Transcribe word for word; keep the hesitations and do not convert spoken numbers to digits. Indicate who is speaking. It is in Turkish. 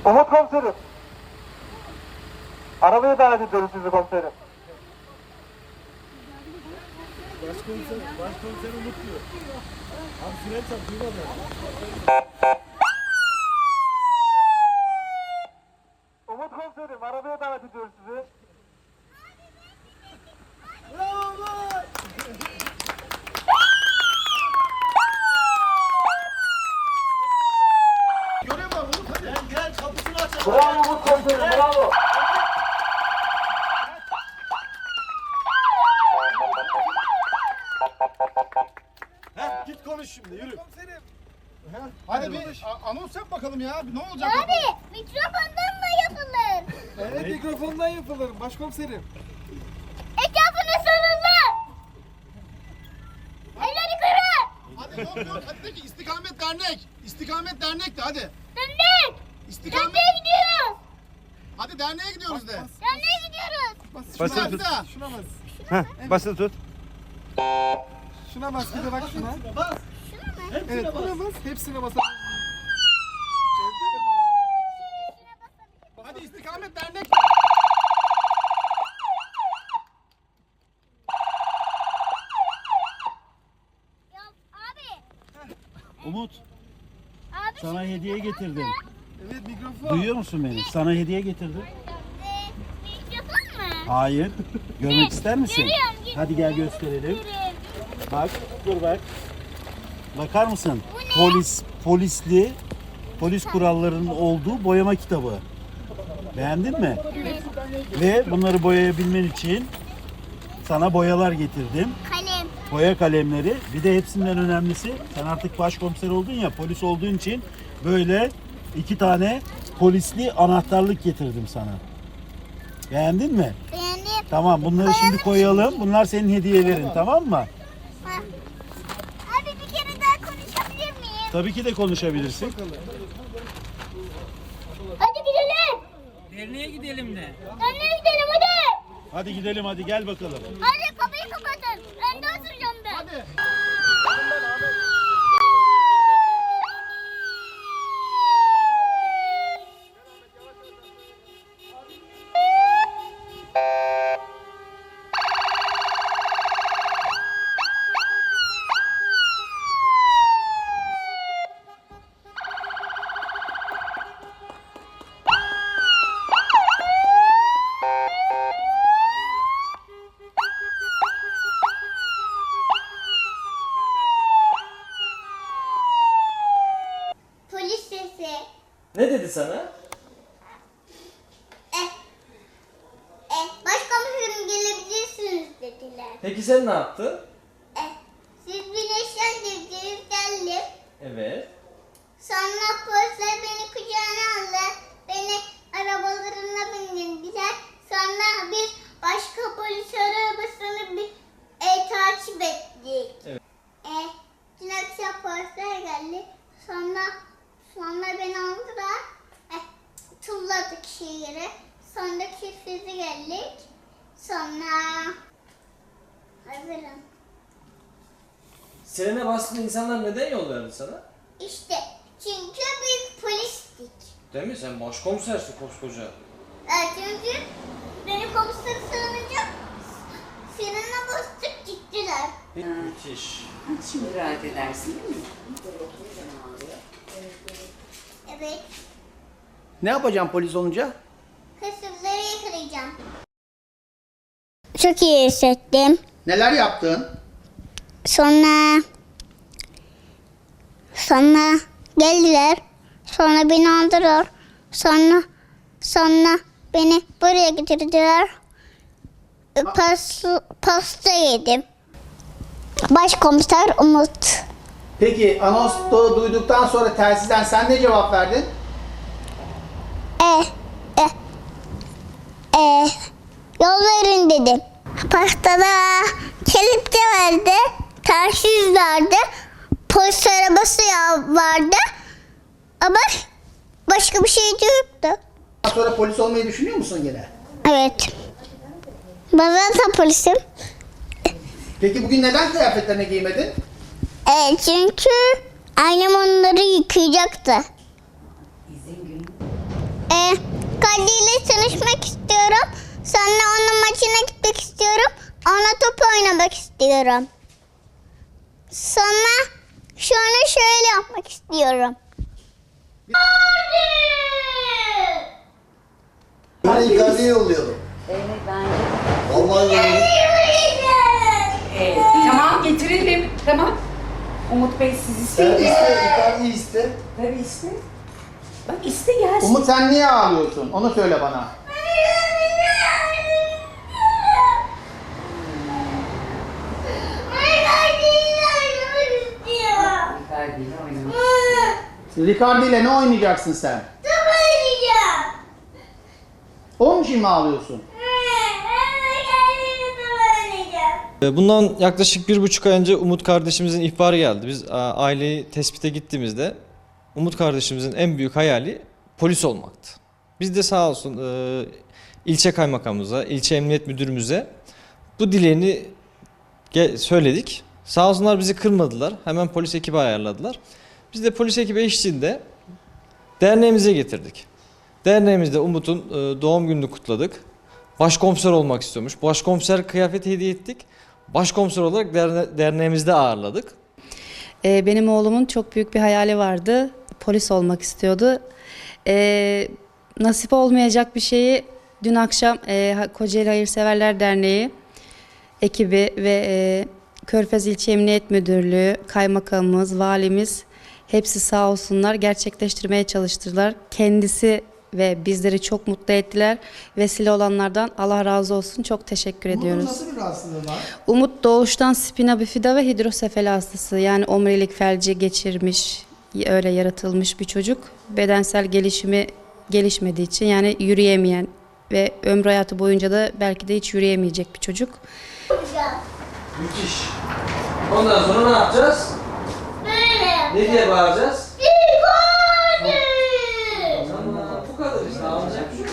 Speaker 1: Umut komiserim. Arabaya davet ediyoruz sizi komiserim.
Speaker 2: Başkomiser, başkomiser Umut diyor. Abi fren çarp, duymadı.
Speaker 1: Umut komiserim, arabaya davet ediyoruz sizi.
Speaker 2: Bravo Umut! Görev var Umut, hadi. Gel gel, kapısını aç.
Speaker 1: Bravo Umut komiserim, bravo.
Speaker 2: Heh, git konuş şimdi, yürü. Komiserim.
Speaker 3: Hadi, Hadi bir a- anons yap bakalım ya. Ne olacak?
Speaker 4: Abi mikrofondan da yapılır.
Speaker 2: Evet, mikrofondan yapılır başkomiserim.
Speaker 4: Etrafını sarıldı. Elleri kırın.
Speaker 3: Hadi yok yok. Hadi de ki istikamet dernek. İstikamet dernek de hadi.
Speaker 4: Döndük.
Speaker 3: İstikamet.
Speaker 4: Derneğe gidiyoruz.
Speaker 3: Hadi derneğe gidiyoruz de.
Speaker 4: Derneğe gidiyoruz.
Speaker 3: Şuna
Speaker 2: Basılı
Speaker 3: bas
Speaker 2: tut.
Speaker 3: da.
Speaker 2: Şuna bas.
Speaker 5: Heh, basılı tut.
Speaker 2: Şuna bas, bir de bak şuna. Bas.
Speaker 4: Şuna mı?
Speaker 2: Evet, buna bas. Hepsine bas.
Speaker 3: Hadi istikamet dernek.
Speaker 4: Ya abi.
Speaker 5: Umut,
Speaker 4: Abi
Speaker 5: sana
Speaker 4: şimdi
Speaker 5: hediye getirdim.
Speaker 2: Evet, mikrofon.
Speaker 5: Duyuyor musun beni? Sana hediye getirdim.
Speaker 4: e, mikrofon mu?
Speaker 5: Hayır. Görmek ister misin?
Speaker 4: Görüyorum, görüyorum.
Speaker 5: Hadi gel gösterelim.
Speaker 4: Görüyorum.
Speaker 5: Bak, dur bak. Bakar mısın?
Speaker 4: Bu ne?
Speaker 5: Polis, polisli, polis kurallarının olduğu boyama kitabı. Beğendin mi?
Speaker 4: Evet.
Speaker 5: Ve bunları boyayabilmen için sana boyalar getirdim.
Speaker 4: Kalem.
Speaker 5: Boya kalemleri. Bir de hepsinden önemlisi, sen artık başkomiser oldun ya, polis olduğun için böyle iki tane polisli anahtarlık getirdim sana. Beğendin mi?
Speaker 4: Beğendim.
Speaker 5: Tamam, bunları şimdi koyalım. Bunlar senin hediyelerin, tamam mı?
Speaker 4: Ha. Abi bir kere daha konuşabilir miyim?
Speaker 5: Tabii ki de konuşabilirsin.
Speaker 4: Hadi gidelim.
Speaker 6: Derneğe gidelim de.
Speaker 4: Derneğe gidelim hadi.
Speaker 5: Hadi gidelim, hadi gel bakalım.
Speaker 4: Hadi kapıyı kapatın. Ben de oturacağım ben.
Speaker 3: Hadi.
Speaker 4: Polis sesi.
Speaker 6: Ne dedi sana?
Speaker 4: Eh. Eh. Başkomiserim gelebilirsiniz dediler.
Speaker 6: Peki sen ne yaptın?
Speaker 4: Eh. Siz güneşlendirdiniz geldim.
Speaker 6: Evet.
Speaker 4: Sonra polisler beni kucağına aldı. Beni arabalarına bindirdiler. Sonra biz başka polis arabasını bir e, takip ettik.
Speaker 6: Evet.
Speaker 4: E, dün akşam polisler geldi. Sonra sonra beni aldılar. E, tulladık şehire. Sonra çiftliğe geldik. Sonra hazırım.
Speaker 6: Sirene bastığında insanlar neden yol verdi sana?
Speaker 4: İşte çünkü biz polistik.
Speaker 6: Değil mi? Sen başkomisersin koskoca.
Speaker 4: Evet, çünkü beni komiseri sığınınca frene bastık gittiler.
Speaker 6: Müthiş.
Speaker 7: Şimdi rahat edersin değil mi?
Speaker 4: Evet,
Speaker 8: Ne yapacağım polis olunca?
Speaker 4: hırsızları yakalayacağım. Çok iyi hissettim.
Speaker 8: Neler yaptın?
Speaker 4: Sonra sonra geldiler. Sonra beni aldılar. Sonra sonra beni buraya getirdiler. Pas, pasta yedim. Başkomiser Umut.
Speaker 8: Peki anonsu duyduktan sonra telsizden sen ne cevap verdin?
Speaker 4: E, e, e, yol verin dedim. Pastada kelepçe vardı, telsiz vardı, polis arabası ya- vardı ama başka bir şey de yoktu.
Speaker 8: Daha sonra polis olmayı düşünüyor musun gene?
Speaker 4: Evet. Ben zaten polisim.
Speaker 8: Peki bugün neden kıyafetlerini giymedin?
Speaker 4: Evet, çünkü annem onları yıkayacaktı.
Speaker 7: İzin günü.
Speaker 4: tanışmak istiyorum. Sonra onun maçına gitmek istiyorum. Ona top oynamak istiyorum. Sonra şunu şöyle yapmak istiyorum.
Speaker 9: Ben Icardi'ye yollayalım.
Speaker 7: Evet bence.
Speaker 9: Vallahi yollayalım.
Speaker 7: Evet. Tamam getirelim. Tamam. Umut Bey siz
Speaker 9: Sen
Speaker 7: isteyin.
Speaker 9: iste, Icardi'yi iste.
Speaker 7: Tabii iste. Bak iste gelsin.
Speaker 8: Umut sen niye ağlıyorsun? Onu söyle bana.
Speaker 7: Icardi'yle oynamak.
Speaker 8: Ricardi ile ne oynayacaksın sen? Onun için mi ağlıyorsun?
Speaker 6: Bundan yaklaşık bir buçuk ay önce Umut kardeşimizin ihbarı geldi. Biz a, aileyi tespite gittiğimizde Umut kardeşimizin en büyük hayali polis olmaktı. Biz de sağ olsun e, ilçe kaymakamımıza, ilçe emniyet müdürümüze bu dileğini ge- söyledik. Sağ olsunlar bizi kırmadılar. Hemen polis ekibi ayarladılar. Biz de polis ekibi eşliğinde derneğimize getirdik. Derneğimizde Umut'un e, doğum gününü kutladık. Başkomiser olmak istiyormuş. Başkomiser kıyafeti hediye ettik. Başkomiser olarak derne- derneğimizde ağırladık.
Speaker 10: Ee, benim oğlumun çok büyük bir hayali vardı. Polis olmak istiyordu. Ee, nasip olmayacak bir şeyi dün akşam e, Kocaeli Hayırseverler Derneği ekibi ve e, Körfez İlçe Emniyet Müdürlüğü, kaymakamımız, valimiz hepsi sağ olsunlar gerçekleştirmeye çalıştılar. Kendisi ve bizleri çok mutlu ettiler. Vesile olanlardan Allah razı olsun. Çok teşekkür ediyoruz.
Speaker 8: Umut'un nasıl bir rahatsızlığı var?
Speaker 10: Umut doğuştan spina bifida ve hidrosefali hastası. Yani omurilik felci geçirmiş, öyle yaratılmış bir çocuk. Bedensel gelişimi gelişmediği için yani yürüyemeyen ve ömrü hayatı boyunca da belki de hiç yürüyemeyecek bir çocuk.
Speaker 6: Müthiş. Ondan sonra ne yapacağız?
Speaker 4: Böyle.
Speaker 6: Ne diye bağıracağız?